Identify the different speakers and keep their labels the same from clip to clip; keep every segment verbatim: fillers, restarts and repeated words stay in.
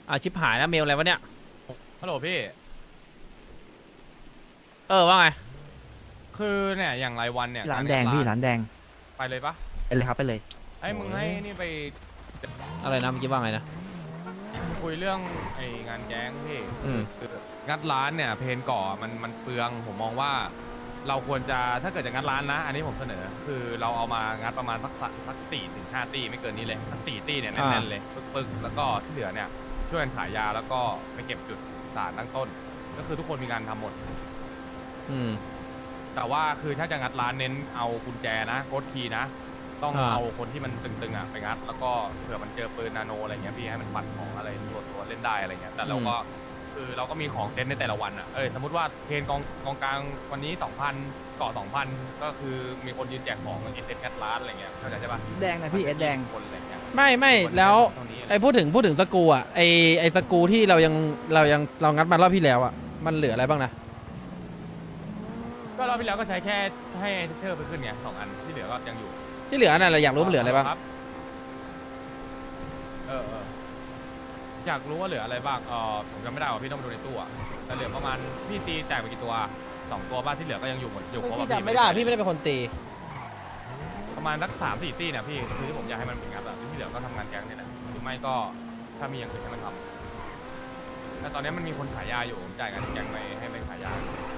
Speaker 1: อ่าชิบหายแล้วเมลอะไรวะเนี่ย
Speaker 2: ฮัลโหลพี่
Speaker 1: เออว่าไง
Speaker 2: คือเนี่ยอย่างรายวันเนี่ย
Speaker 3: ร้านแดงพี่ร้านแดง
Speaker 2: ไปเลยปะ
Speaker 3: ไปเลยครับไปเลย
Speaker 2: ไอ้มึงให้นี่ไป
Speaker 1: อะไรนะเมื่อกี้ว่าไงนะ
Speaker 2: คุยเรื่องไอ้งานแก๊งพี่
Speaker 1: อืม
Speaker 2: คืองัดร้านเนี่ยเพนก่อมันมันเปลืองผมมองว่า เราควรจะถ้าเกิดจะงัดร้านนะ อันนี้ผมเสนอ คือเราเอามางัดประมาณสักสักสี่ถึงห้าตีไม่เกินนี้เลยสักสี่ตีเนี่ยแน่นๆเลยปึกๆแล้วก็ที่เหลือเนี่ยช่วยกันขายยาแล้วก็ไปเก็บจุดสารตั้งต้น ก็คือทุกคนมีการทำหมด
Speaker 1: อืม
Speaker 2: แต่ว่าคือถ้าจะงัดร้านเน้นเอากุญแจนะโค้ดคีย์นะ ต้อง
Speaker 1: อ่า
Speaker 2: เอาคนที่มันตึงๆอ่ะไปงัด แล้วก็เผื่อมันเจอปืนนาโนอะไรเงี้ยพี่ให้มันปัดของอะไรตัวตัวเล่นได้อะไรเงี้ยแต่เราก็คือเราก็มีของเซตในแต่ละวันอ่ะเออสมมติว่าเพนกองกองกลางวันนี้ สองพัน เกาะ สองพัน ก็คือมีคนยืนแจกของเอเซตงัดร้านอะไรเงี้ยเข้าใจใช่ปะ
Speaker 3: แดงนะพี่เอสแดง
Speaker 2: คนอะไรเงี้ย
Speaker 1: ไม่ไม่แล้ว
Speaker 2: เท่านี้
Speaker 1: ไอ้พูดถึงพูดถึงสกรูอ่ะไอ้ไอ้สกรูที่เรายังเรายังเรางัดมารอบที่แล้วอ่ะมันเหลืออะไรบ้างนะ
Speaker 2: ก็รอบที่แล้วก็ใช้แค่ให้เทอร์ไปขึ้นไงสองอันที่เหลือก็ยังอยู่
Speaker 1: ที่เหลือน่ะเราอยากรู้มันเหลืออะไรบ้าง
Speaker 2: คเออเอออยากรู้ว่าเหลืออะไรบ้างเออผมจำไม่ได้ว่าพี่ต้องไปดูในตู้อะแต่เหลือประมาณพี่ตีแจกไปกี่ตัวสองตัวบ้านที่เหลือก็ยังอยู่หมดอยู่ครบ
Speaker 1: พี่
Speaker 2: อะ
Speaker 1: จำไม่ได้พี่ไม่ได้เป็นคนตี
Speaker 2: ประมาณสักสามสี่ตีเนี่ยพี่คือที่ผมอยากให้มันเป็นงัดอะที่เหลือก็ทำงานแก๊งเนี่ยแหละหรือไม่ก็ถ้ามีอย่างอื่นให้มันทำแต่ตอนนี้มันมีคนขายยาอยู่ผมจ่ายงานที่แก๊งไปให้ไปขายยา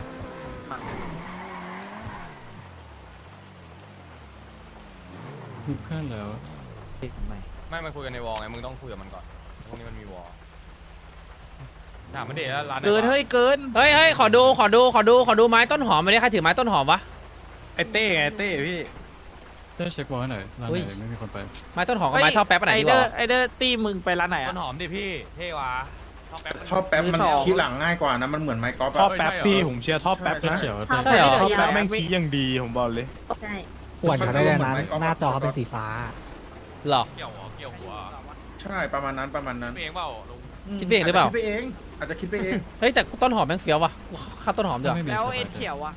Speaker 4: มีเพื่อนแล้ว
Speaker 3: ไม่
Speaker 2: ไม่มันคุยกันในวอลไงมึงต้องคุยกับมันก่อนพวกนี้มันมีวอลถามมันเดชแล้วร้านไหน
Speaker 3: เกิน
Speaker 2: วะ
Speaker 3: เฮ้ยเกิน
Speaker 1: เฮ้ยเฮ้ยขอดูขอดูขอดูขอดูไม้ต้นหอมมาดิใครถือไม้ต้นหอมวะ
Speaker 5: ไอเต้ไงเต้พี่
Speaker 4: ได้เช็คบอลหน่อยร้าน
Speaker 1: อุ้ย
Speaker 4: ไหนไม่มีคนไป
Speaker 1: ไม้ต้นหอมกับไม้ท่อแป๊บอันไหนดีกว่า
Speaker 3: ไอเดอร์ตีมึงไปร้านไหน
Speaker 2: ต้
Speaker 3: อ่ะ
Speaker 2: นหอมดิพี่เท่วะชอบแป๊บ
Speaker 5: ท่อแป๊บมัน
Speaker 3: มือสอง
Speaker 5: ขี้หลังง่ายกว่านะมันเหมือนไม้กอล์ฟ
Speaker 2: ท่อ
Speaker 5: อะ
Speaker 2: แป๊บพี่ผมเชียร์ท่อแป๊บ
Speaker 5: ใช่
Speaker 4: เขียว
Speaker 1: ใช่เหรอ
Speaker 5: ท่อแป๊บแม่งขี้ยังดีผมบอกเลย
Speaker 6: ใช่
Speaker 7: ปวดเขาได้เลยนะหน้าจอเขาเป็นสีฟ้า
Speaker 1: หรอ
Speaker 2: เกี่ยวหัวเกี่ยวหัว
Speaker 5: ใช่ประมาณนั้นประมาณนั้น
Speaker 2: คิดเองเปล่าลุง
Speaker 1: คิดไปเองหรือเปล่า
Speaker 5: จจะคิดไปเองอาจจะคิดไปเอง
Speaker 1: เฮ้ยแต่ต้นหอมแม่งเฟี้ยววะกูเข้าต้นหอมเดี๋ยว
Speaker 4: ไม่มี
Speaker 3: แล้วเอ็นเขียวอ่ะ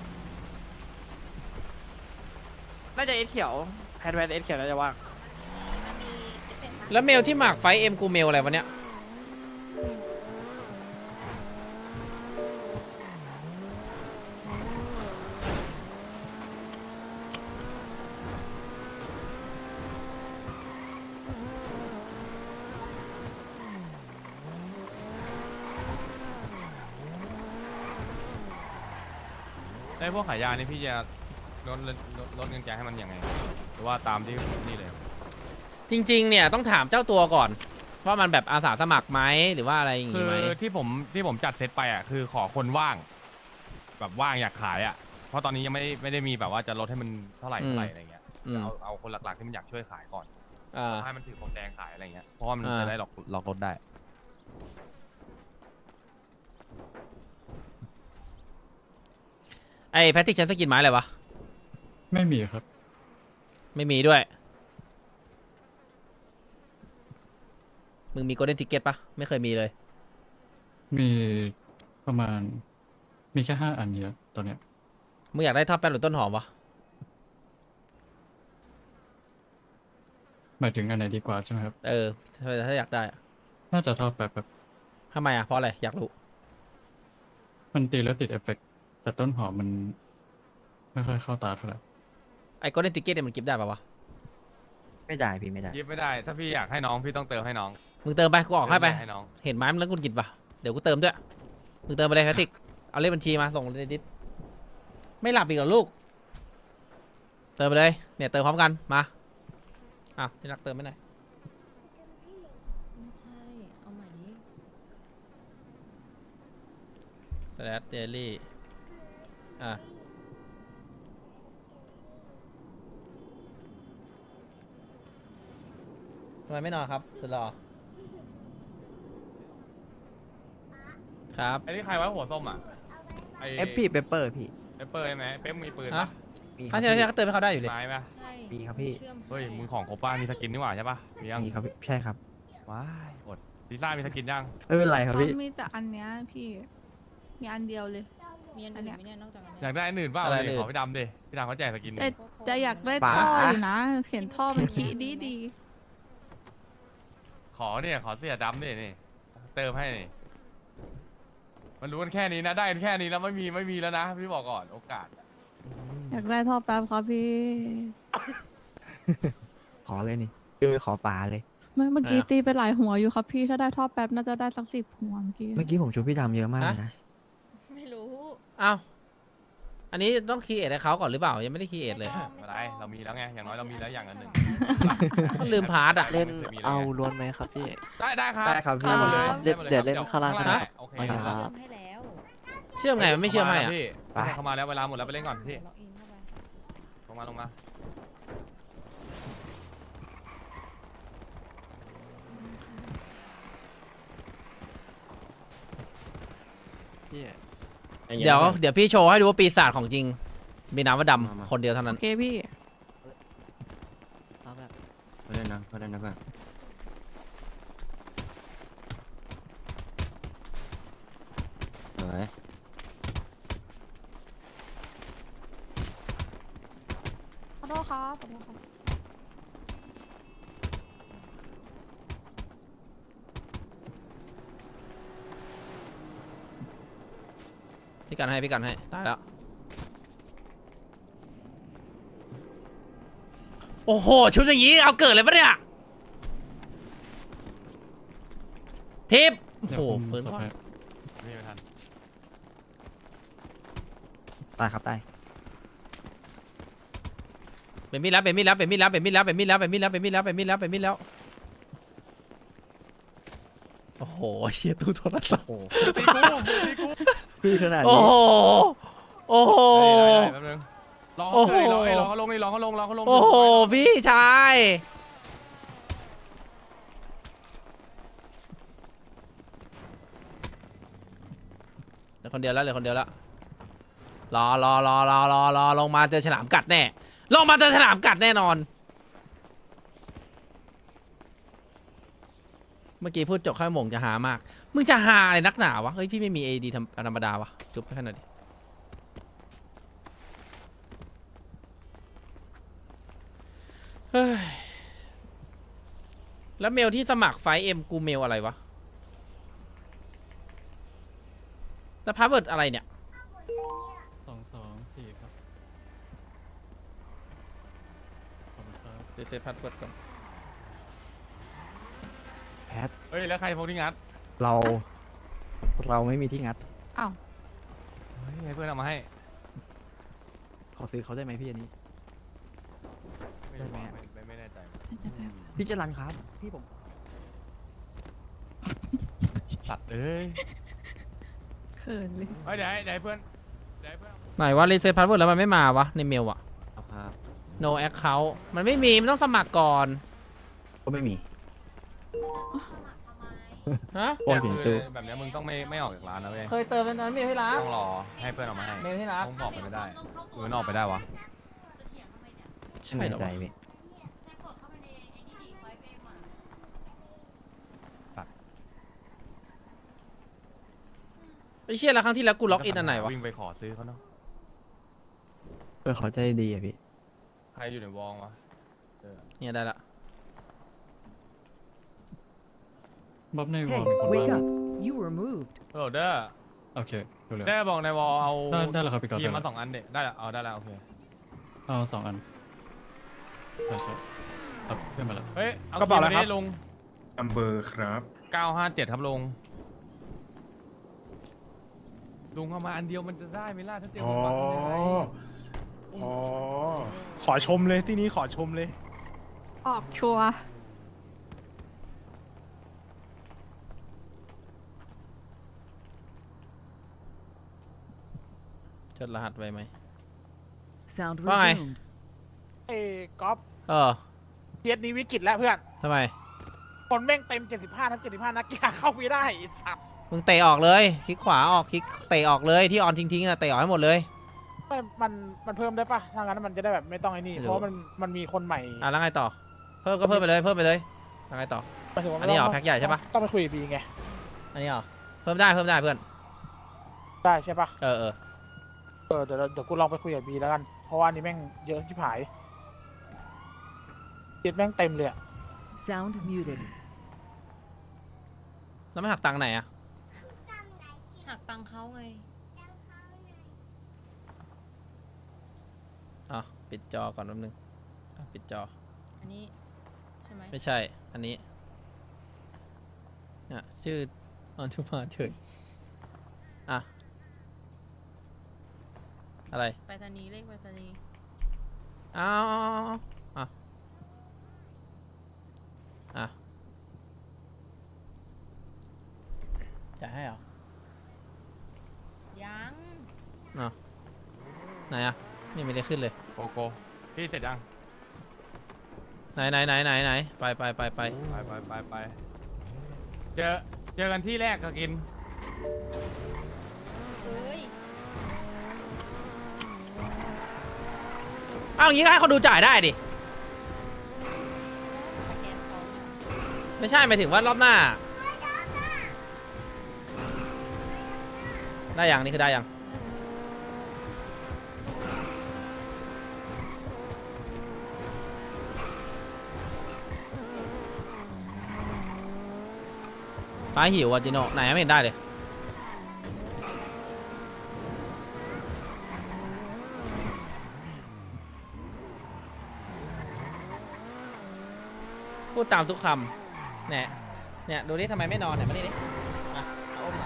Speaker 3: น่าจะเอ็นเขียวแพนแพนเอ็นเขียวน่าจะว่าง
Speaker 1: แล้วเมลที่หมากไฟเอ็มกูเมลอะไรวะเนี่ย
Speaker 2: ในพวกขายยานี่พี่จะลดลดลดเงินแกงให้มันยังไงหรือว่าตามที่นี่เลย
Speaker 1: จริงๆเนี่ยต้องถามเจ้าตัวก่อนว่ามันแบบอาสาสมัครไหมหรือว่าอะไรอย่าง
Speaker 2: คื
Speaker 1: งี้
Speaker 2: อ
Speaker 1: ไหม
Speaker 2: ที่ผมที่ผมจัดเซตไปอ่ะคือขอคนว่าง แบบว่างอยากขายอ่ะเพราะตอนนี้ยังไม่ได้ไม่ได้มีแบบว่าจะลดให้มันเท่าไหร่เท่าไหร่อะไรเงี้ย
Speaker 1: อืม
Speaker 2: เอาเอาคนหลักๆที่มันอยากช่วยขายก่อน
Speaker 1: อ่า
Speaker 2: ให้มันถือผมแดงขายอะไรเงี้ยเพราะว่ามัน
Speaker 1: อ่า
Speaker 2: จะได้หลอกหลอกลดได้
Speaker 1: ไอ้แพทติกใช้สกินไม้อะไรวะ
Speaker 4: ไม่มีครับ
Speaker 1: ไม่มีด้วยมึงมีโกลเด้นทิกเก็ตปะไม่เคยมีเลย
Speaker 4: มีประมาณ มีแค่ห้าอันเนี้ยตอนเนี้ย
Speaker 1: มึงอยากได้ท่อแป๊บหรือต้นหอมวะ
Speaker 4: หมายถึงอันไหนดีกว่าใช่ไหมครับ
Speaker 1: เออถ้าถ้าอยากได้อะ
Speaker 4: น่าจะทอดแบบแบบ
Speaker 1: ทำไมอ่ะเพราะอะไรอยากรู้
Speaker 4: มันตีแล้วติดเอฟเฟกต์แต่ต้นหอมมัน ไม่ค่อยเข้าตาเท่าไหร่
Speaker 1: ไอ้โกลเด้นทิกเก็ตเนี่ยมันกิฟต์ได้ปะวะ
Speaker 3: ไม่ได้พี่ไม่ได้
Speaker 2: ยิบไม่ได้ ถ้าพี่อยากให้น้องพี่ต้องเติมให้น้อง
Speaker 1: มึงเติมไปกูออกให้ไป
Speaker 2: ให้น้อง
Speaker 1: เห็นไม้มันแล้วกูกินปะเดี๋ยวกูเติมด้วยมึงเติมไปเลยแพทติกเอาเลขบัญชีมาส่งเลยดิสไม่หลับอีกเหรอลูกเติมไปเลยเนี่ยเติมพร้อมกันมาอ้าวพี่รักเติมไม่ได้
Speaker 6: ไม่ใช่ เอาใหม่นี้
Speaker 1: สแลดเดลี่อ่ะทำไมไม่นอนครับสุดหล่อครับ
Speaker 2: ไอ้นี่ใครวะหัวส้มอ่ะไอ
Speaker 3: เอฟพี่เปเปอร์พี่
Speaker 2: เปเปอร์ใช่ไหมเป๊ปมีปืน
Speaker 1: ฮะ
Speaker 2: ปะ
Speaker 3: มีค
Speaker 1: ครั้
Speaker 3: รั
Speaker 1: ง
Speaker 3: บ
Speaker 1: ที่แล้วที่ก็เติมให้เขาได้อยู่เลย
Speaker 2: ไม้ปะ
Speaker 6: ใช่
Speaker 3: มีครับพี่
Speaker 6: ชื่อม
Speaker 2: เฮ้ย
Speaker 6: ให้
Speaker 2: มึงของครบป้ามีสกินนี่หว่าใช่ปะมียัง
Speaker 3: มีครับพี่ใช่ครับ
Speaker 2: ว้ายอดลิซ่ามีสกินยัง
Speaker 3: ไม่เป็นไรครับพี่
Speaker 8: มีแต่อันเนี้ยพี่ มีอันเดียวเลย
Speaker 6: มีอันอื่นไหมเนี่ยนอกจากอัน
Speaker 2: อ
Speaker 6: เนี้
Speaker 2: ยาย กได้อันอื่นเปล่า
Speaker 1: อะไร
Speaker 2: เลย
Speaker 1: อื่น
Speaker 2: ขอพี่ดำดิพี่ดำเขาแจกสกิน
Speaker 8: แต่จะอยากได้
Speaker 3: ป๋า
Speaker 8: ท่ออยู่นะ เห็นท่อมันขี้ดีดี
Speaker 2: ขอเนี่ยขอเสียดำดินี่เติมให้นี่มันรู้กันแค่นี้นะได้กันแค่นี้แล้วไม่มีไม่มีแล้วนะพี่บอกก่อนโอกาส
Speaker 8: อยากได้ท่อแป๊บครับพี่
Speaker 3: ขอเลยนี่พี่ไปขอป่าเลย
Speaker 8: เมื่อเมื่อกี้
Speaker 1: อ่ะ
Speaker 8: ตีไปหลายหัวอยู่ครับพี่ถ้าได้ท่อแป๊บน่าจะได้สักสิบหัวเมื่อกี้
Speaker 3: เมื่อกี้ผมชูพี่ดำเยอะมากเลยนะ
Speaker 6: ไม่รู้
Speaker 1: อ้าวอันนี้ต้องคีเอทให้เขาก่อนหรือเปล่ายังไม่ได้คีเอทเลย
Speaker 6: ไม่ต้อง
Speaker 2: ไม่เป็นไรเรามีแล้วไงอย่างน้อยเรามีแล้วอย่างละหนึ่ง
Speaker 1: ก็ลืมพาร์ทอะ
Speaker 2: เล่น
Speaker 9: เอาล้วนไหมครับพี่
Speaker 2: ได้ได้ครับ
Speaker 3: ได้ครับพี่
Speaker 2: ได้หมดเลย
Speaker 9: เดี๋ยว
Speaker 2: หม
Speaker 9: เดี๋ยว
Speaker 2: ค
Speaker 9: เล่น
Speaker 2: รับ
Speaker 9: ข้างล่างก็ได้
Speaker 2: โอเค
Speaker 9: ไม่
Speaker 2: ค
Speaker 9: ครั
Speaker 2: รับ
Speaker 9: บ
Speaker 6: เชื่อมให้แล้ว
Speaker 1: เชื่อมไงมันไม่เชื่อมให้อะ
Speaker 2: พี่
Speaker 3: ไป
Speaker 2: เข้ามาแล้วเวลาหมดแล้วไปเล่นก่อนพี่
Speaker 6: ล็อกอินเข้าไป
Speaker 2: ลงมาลงมา
Speaker 9: พี่
Speaker 1: เดี๋ยวเดี๋ยวพี่โชว์ให้ดูว่าปีศาจของจริง มีน้ำว่าดำคนเดียวเท่า
Speaker 8: โอ
Speaker 1: นั้น
Speaker 8: เคพี่
Speaker 9: รับแบบ
Speaker 3: เขาเล่นนะเขาเล่นนะเพื่อน สวย
Speaker 8: ขอโทษครับขอโทษครับ
Speaker 1: พี่กันให้พี่กันให้ตายแล้วโอ้โหชุดอย่างนี้เอาเกิดเลยปะเนี่ยทิปโอ้
Speaker 4: เดี๋ย
Speaker 1: โห
Speaker 4: วผม
Speaker 1: ฟื้น
Speaker 4: สับ
Speaker 1: ก่อน
Speaker 4: ให้
Speaker 2: ไม่ทัน
Speaker 3: ตายครับตาย
Speaker 1: เป็นมีดแล้วเป็นมีดแล้วเป็นมีดแล้วเป็นมีดแล้วเป็นมีดแล้วเป็นมีดแล้วเป็นมีดแล้วเป็นมีดแล้วเป็นมีดแล้วโอ้โหเชี่ยตู้โทรศัพท์
Speaker 2: ตีกูตีกู
Speaker 3: พี่ขนาด
Speaker 1: โอ้
Speaker 3: นี้
Speaker 1: โหโอ้โห
Speaker 2: ได้ได้ได้แป๊บนึงรอเขาเลยรอไอ้รอเขาลงนี่รอเขาลงรอเขาลง
Speaker 1: โอ้โหพี่ชายเหลือคนเดียวแล้วเหลือคนเดียวแล้วรอรอรอรอรอรอลงมาเจอฉลามกัดแน่ลงมาเจอฉลามกัดแน่นอน เมื่อกี้พูดจบข้าวหมงจะหามาก มึงจะหาอะไรนักหนาวะ เฮ้ย พี่ไม่มีเอดีธรรมดาวะ จุ๊บไปขนาดดิเฮ้ย แล้วเมลที่สมัครไฟเอ็มกูเมลอะไรวะ แล้วพาสเวิร์ดอะไรเนี่ย
Speaker 4: สองสองสี่ครับขอบคุณครับ
Speaker 1: เดี๋ยวเซฟพาสเวิร์ดก่อน
Speaker 3: แพท
Speaker 2: เฮ้ยแล้วใครพกที่งัด
Speaker 3: เรา เราไม่มีที่งัด
Speaker 8: อ้าว
Speaker 2: เฮ้ยให้เพื่อนเอามาให้
Speaker 3: ขอซื้อเขาได้ไหมพี่อันนี้
Speaker 2: ไม่รู้
Speaker 3: ได้ไหม
Speaker 2: ว่าไม่ไม่ไม่แน่ใจ
Speaker 3: พี่จรันครับ พี่ผม
Speaker 2: สัตว์เอ้ย
Speaker 8: เขินเลย
Speaker 2: เฮ้ยเดี๋ยวให้เดี๋ยวให้เพื่อนเดี๋ยวให้เพื่อน
Speaker 1: ไหนว่ารีเซ็ตพาสเวิร์ดแล้วมันไม่มาวะ ในเมลอะ
Speaker 3: ครับ
Speaker 1: no account มันไม่มี มันต้องสมัครก่อน
Speaker 3: ก็ไม่มี
Speaker 1: ฮะ
Speaker 3: โอนถึงตู้
Speaker 2: แบบเนี้ยมึงต้องไม่ไม่ออกจากร้านนะเว้ย
Speaker 1: เคยเติมเป็นตอนนั้นเมลที่รัก
Speaker 2: ต้องรอให้เพื่อนเอามาให้
Speaker 1: เมลที่รัก
Speaker 2: ต้องบอกไปไม่ได้หรือมันออกไปได้วะ
Speaker 1: ใช่
Speaker 3: ไม่
Speaker 1: เหรอ
Speaker 3: ใจ
Speaker 1: วะ
Speaker 3: พี่
Speaker 1: ไอ้เชี่ยแล้วครั้งที่แล้วกูล็อกอินอันไหนวะ
Speaker 2: วิ่งไปขอซื้อเขาเนาะ
Speaker 3: เพื่อเขาใจดีอะพี่
Speaker 2: ใครอยู่ในวองวะเออ
Speaker 1: เนี่ยได้ละ
Speaker 4: บ๊อบในวอลมีคนว่าง
Speaker 10: You were moved.
Speaker 2: โหลดเด้อ
Speaker 4: โอเคดูเลย
Speaker 2: ได้บอกในวอลเอา
Speaker 4: ได้ได้แล้วครับพี่ก๊อฟ
Speaker 2: ทีม
Speaker 4: ได้
Speaker 2: มา
Speaker 4: แล้ว
Speaker 2: สองอันเด็ได้แล้วเอาได้แล้วโอเค
Speaker 4: เอาสองอันใช่ใช่ครับเพื่อนมาแล้ว
Speaker 2: เฮ้ยเอา
Speaker 5: กระเป๋าอะไร
Speaker 2: ทีม
Speaker 5: ครับ
Speaker 2: นี้ลุง
Speaker 5: อัมเบอร์ครับ
Speaker 2: เก้าห้าเจ็ดครับลุงลุงเอามาอันเดียวมันจะได้ไหมล่ะถ้าเตรียม
Speaker 5: อ๋อ
Speaker 2: มาทำยังไง
Speaker 5: อ๋อ
Speaker 10: ขอชมเลยที่นี้ขอชมเลย
Speaker 8: ออกชัวร์
Speaker 1: จดรหัสไว้ไหม
Speaker 10: Sound
Speaker 1: Bye.
Speaker 10: resumed.
Speaker 11: เอ้ก๊อฟ
Speaker 1: เออ
Speaker 11: เทียสนี้วิกฤตแล้วเพื่อน
Speaker 1: ทำไม
Speaker 11: คนแม่งเต็ม เจ็ดสิบห้า ทั้ง เจ็ดสิบห้า นักกีฬาเข้าไม่ได้ไอ้สัตว์
Speaker 1: มึงเตะออกเลย คลิกขวาออก คลิกเตะออกเลย ที่ออนทิ้งๆอะเตะออกให้หมดเลย
Speaker 11: ไม่มันมันเพิ่มได้ปะถ้างั้นมันจะได้แบบไม่ต้องไอ้นี่
Speaker 1: ไม่รู้
Speaker 11: เพราะว่ามันมันมีคนใหม่
Speaker 1: อ่ะแล้วไงต่อ เพิ่มก็เพิ่มไปเลย เพิ่มไปเลยแล้วไงต่อ
Speaker 11: หมายถึงว่า
Speaker 1: อันนี้เหรอ
Speaker 11: ต้ง
Speaker 1: แพ็คใหญ่ใช่ปะ
Speaker 11: ต้องไปคุยกับบีไง
Speaker 1: อันนี้เหรอ เพิ่มได้ เพิ่มได้เพื่อน
Speaker 11: ได้ใช่ปะ
Speaker 1: เออเออ
Speaker 11: เออเดี๋ยวเดี๋ยวกูลองไปคุยกับบีแล้วกัน เพราะว่าอันนี้แม่งเยอะที่ผายเทียสแม่งเต็มเลยอะ
Speaker 10: Sound muted.
Speaker 1: แล้วไม่หักตังค์ไหนอะ
Speaker 6: หักตังค์เขาไง
Speaker 1: อ๋อปิดจอก่อนแป๊บนึงอ่ะปิดจอ
Speaker 6: อันนี้ใช่ไหม
Speaker 1: ไม่ใช่ อันนี้เนี่ยชื่อออนทุมาเถิดอ่ะ อะไร
Speaker 6: ไปรษณีย์เลขไปรษณีย์
Speaker 1: อ้าวอ่ะอ่ะจะให้เหรอ
Speaker 6: ยัง
Speaker 1: อ่ะไหนอ่ะนี่ไม่ได้ขึ้นเลย
Speaker 2: โกโก้พี่เสร็จยัง
Speaker 1: ไหนไหนไหนไหนไหนไปไปไปไป
Speaker 2: ไปไปไปไปเจอเจอกันที่แรกก็กิน
Speaker 6: เฮ้ย
Speaker 1: เอาอย่างงี้ก็ให้เขาดูจ่ายได้ดิ
Speaker 6: สแกนเขาเนี่ย
Speaker 1: ไม่ใช่หมายถึงว่ารอบหน้า ได้ยังนี่คือได้ยังป้าหิวอ่ะจิโน่ไหนไม่เห็นได้เลยพูดตามทุกคำเนี่ยเนี่ยดูดิทำไมไม่นอนเนี่ยมาดิดิมาเอาอุ้มมา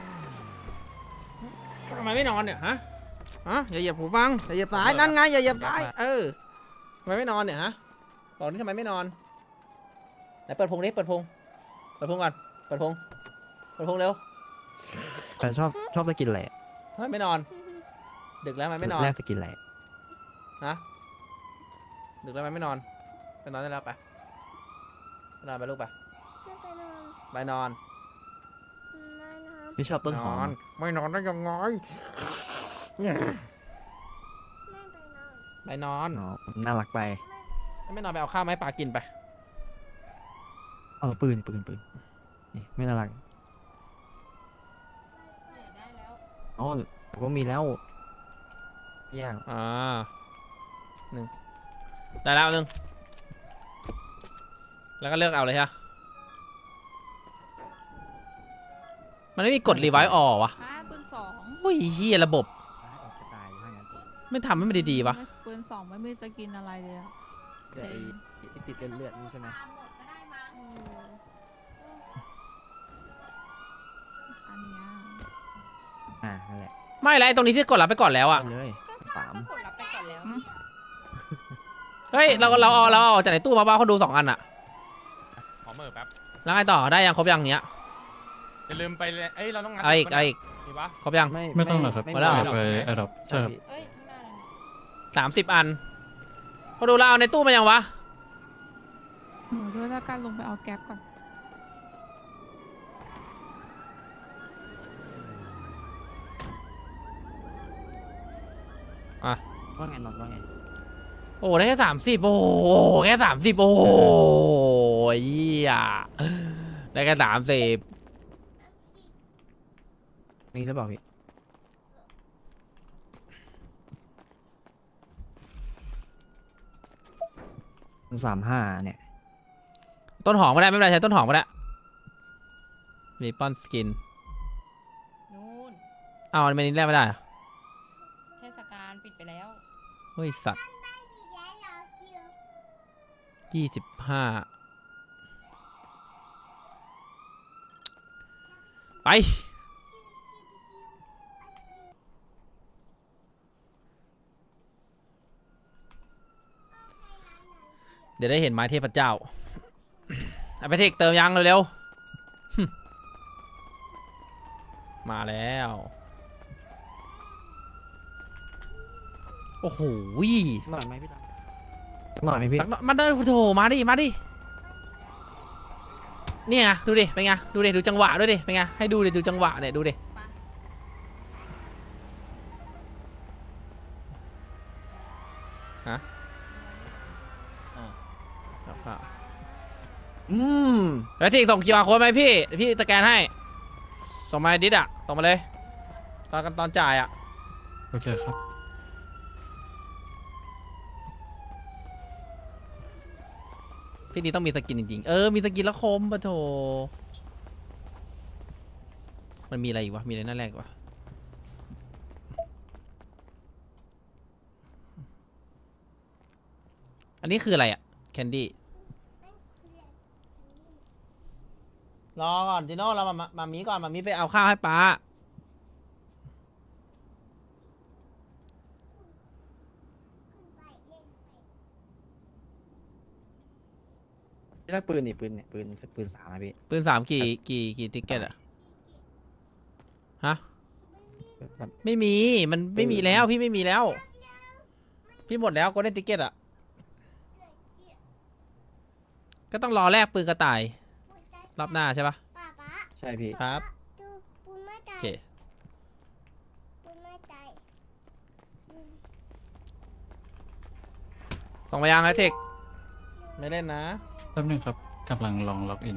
Speaker 1: ทำไมไม่นอนเนี่ยฮะฮะอย่าเหยียบหูฟังอย่าเหยียบสายนั่นไงอย่าเหยียบสายเออทำไมไม่นอนเนี่ยฮะบอกนี่ทำไมไม่นอนไหนเปิดพุงดิเปิดพุงเปิดพุงก่อนเปิดพุงเปิดพุงเร็ว
Speaker 3: แต่ชอบชอบสกินแหละ
Speaker 1: ทำไมไม่นอน ดึกแล้วทำไมไม่นอน
Speaker 3: แรกสกินแหละ
Speaker 1: ฮะดึกแล้วทำไมไม่นอนไปนอนได้แล้วไปไปนอนไปลูกไปไปนอน
Speaker 3: พี่ชอบต้นหอม
Speaker 1: ไม่นอนได้ยังไงไปนอน
Speaker 3: อ๋อน่ารักไป
Speaker 1: ไม่นอนไปเอาข้าวมาให้ปลากินไป
Speaker 3: เออปืนปืนปืนนี่ไม่น่ารัก
Speaker 6: เนี่ยได้แล้ว
Speaker 3: อ๋อผมก็มีแล้วย่าง
Speaker 1: อ่าหนึ่งได้แล้วหนึ่งแล้วก็เลือกเอาเลยฮะมันไม่มีกดรีไวซ์ออกวะ
Speaker 8: อ่าปืนสอง
Speaker 1: โอ้ยเฮียระบบ
Speaker 3: ออกจะตายถ้างั้น
Speaker 1: ไม่ทำให้มันดีๆวะ
Speaker 8: ไม่ปืนสองไม่มีสกินอะไรเลยอะ
Speaker 3: เดี๋ยวไอ้ที่ติดเลือดๆนี่ใช่ไหม
Speaker 8: อันเนี้ย
Speaker 3: อ่านั่นแหละ
Speaker 1: ไม่แล้วไอ้ตรงนี้ที่กดรับไปก่อนแล้วอะ
Speaker 3: เอาเลยสาม
Speaker 6: ก็กดรับไปก่อนแล้ว
Speaker 1: เฮ้ยเราเราเอาเราเอาออกจากในตู้มาบ้าเขาดูสองอันอะ
Speaker 2: ขอเมอร์แป๊บ
Speaker 1: แล้วไงต่อได้ยังครบยังเนี้ย
Speaker 2: อย่าลืมไปเลยเอ้ยเราต้องงัด
Speaker 1: เอาอีกเอาอีก
Speaker 2: มีปะ
Speaker 1: ครบยัง
Speaker 3: ไม่
Speaker 4: ไม่ต้องหรอกครับ
Speaker 3: ไม่
Speaker 1: หมดแล้วเหรอ
Speaker 3: หรอก
Speaker 4: ไปแอดดอปใช่ครับ
Speaker 6: เอ้ยข้างหน้าเลย
Speaker 1: สามสิบอันเขาดูเราเอาในตู้มายังวะ
Speaker 8: หนูด้วยแล้วกันลงไปเอาแก๊ปก่อน
Speaker 1: อ่ะ
Speaker 3: ว่าไงนอนว่าไง
Speaker 1: โอ้ได้แค่สามสิบโอ้แค่สามสิบโอ้ยเหี้ยได้แค่สามสิบ
Speaker 3: นี่หรือเปล่าพี่สามห้าเนี่ย
Speaker 1: ต้นหอมก็ได้ไม่เป็นไรใช้ต้นหอมก็ได้มีปอนสกิน
Speaker 6: นู่น
Speaker 1: อ้าวมันไม่นี้แรกไม่ได้เหรอ
Speaker 6: เทศกาลปิดไปแล้ว
Speaker 1: เฮ้ยสัตว์ยี่สิบห้าไปเดี๋ยวได้เห็นไม้เทพเจ้า เอาไปเทคเติมยังเร็วๆ มาแล้ว โอ้โห
Speaker 3: หน่อยไหมพี่ดำหน่อยไหมพี่
Speaker 1: สักหน่อยมาเดินโถมาดิ มาดิ เนี่ยไงดูดิ เป็นไง ดูดิ ดูจังหวะด้วยดิ เป็นไง ให้ดูดิ ดูจังหวะเนี่ยดูดิ ฮะอ่าครับครับ
Speaker 3: อืม
Speaker 1: แล้วที่ส่ง คิว อาร์ โค้ดไหมพี่ พี่สแกนให้ ส่งมาในดิสอะส่งมาเลย ตอนกันตอนจ่ายอะ
Speaker 4: โอเคครับ
Speaker 1: พี่นี่ต้องมีสกินจริงๆ เออ มีสกินแล้วคมปะโถมันมีอะไรอีกวะมีอะไรน่าแรกวะอันนี้คืออะไรอะแคนดี้รอก่อนจิโน่เรามามามีก่อนมามีไปเอาข้าวให้ป้า
Speaker 3: พี่ได้ปืนนี่ปืนเนี่ยปืนปืนสามอะพี่
Speaker 1: ปืนสามกี่กี่กี่ติ๊กเก็ตอะฮะ
Speaker 3: แบบ
Speaker 1: ไม่มีมันไม่มีแล้วพี่ไม่มีแล้ว พี่หมดแล้วก็ได้ติ๊กเก็ตอะก็ต้องรอแลกปืนกระต่ายรอบหน้าใช่ปะ
Speaker 3: ใช่พี่
Speaker 1: ครับโอเคส่งไปยังไฮเทคไม่เล่นนะ
Speaker 4: แป๊บนึงครับกำลังลองล็อกอิน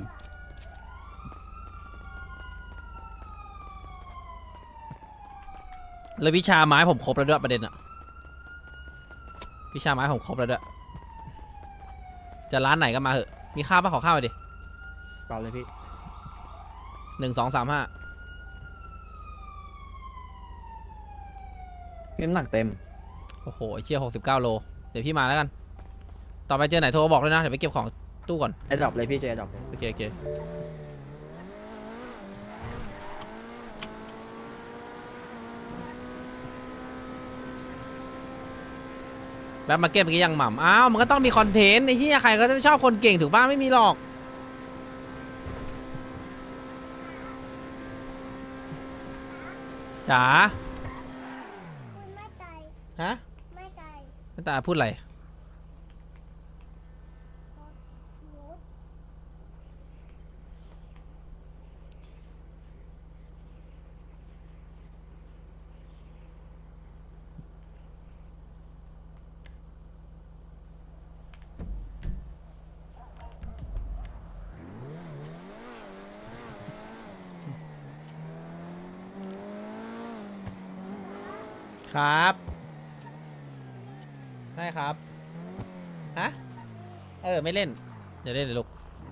Speaker 1: แล้ววิชาไม้ผมครบแล้วด้วยประเด็นอะวิชาไม้ผมครบแล้วด้วยจะร้านไหนก็มาเหอะมีข้าวปะขอข้าวหน่อยดิ
Speaker 3: เปล่าเลยพี่
Speaker 1: หนึ่งสองสามห้า
Speaker 3: พี่น้ำหนักเต็ม
Speaker 1: โอ้โหไอ้เชี่ยหกสิบเก้าโลเดี๋ยวพี่มาแล้วกันต่อไปเจอไหนโทรบอกเลยนะเดี๋ยวไปเก็บของตู้ก่อน
Speaker 3: ไอ้ดรอปเลยพี่เจไอ้ดรอปเลย
Speaker 1: โอเคโอเคแบบมาเก็บเมื่อกี้ยังหม่ำอ้าวมันก็ต้องมีคอนเทนต์ในที่ใครก็จะไม่ชอบคนเก่งถูกป่ะไม่มีหรอกจ๋าฮะไม่ตายไม่ตายพูดอะไรครับใช่ครับฮะเออไม่เล่นเดี๋ยวเล่นเลยลูก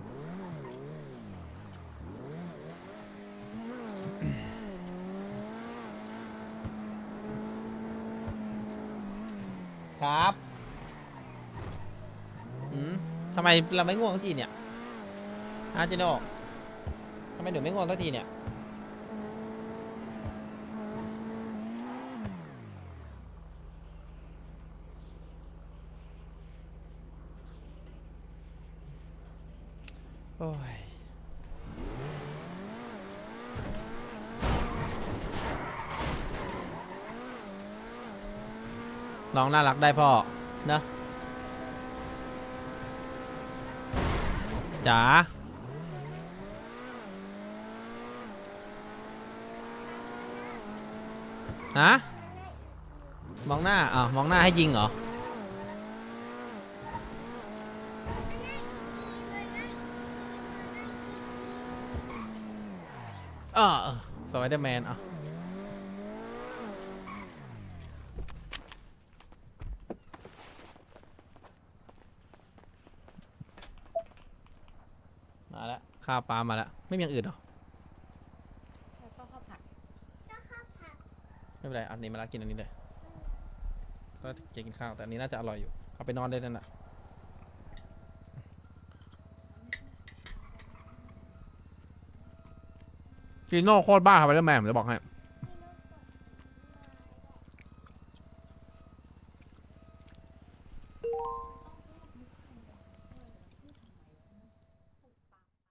Speaker 1: ครับอืมทำไมเราไม่ง่วงสักทีเนี่ยฮะจิโน่ทำไมหนูไม่ง่วงสักทีเนี่ยโอ้ยน้องน่ารักได้พ่อนะจ๋าฮะมองหน้าอ่ะมองหน้าให้ยิงเหรอเออสไปเดอร์แมนอ่ะมาแล้วข้าวปลามาแล้วไม่มีอย่างอื่นเหรอ
Speaker 6: แล้วก็ข้าวผัด
Speaker 1: ไม่เป็นไรอันนี้มาแล้วกินอันนี้เลยก็จะกินข้าวแต่อันนี้น่าจะอร่อยอยู่เอาไปนอนได้นั่นน่ะจีโน่โคตรบ้าครับไปเดอร์แมนผมจะบอกให้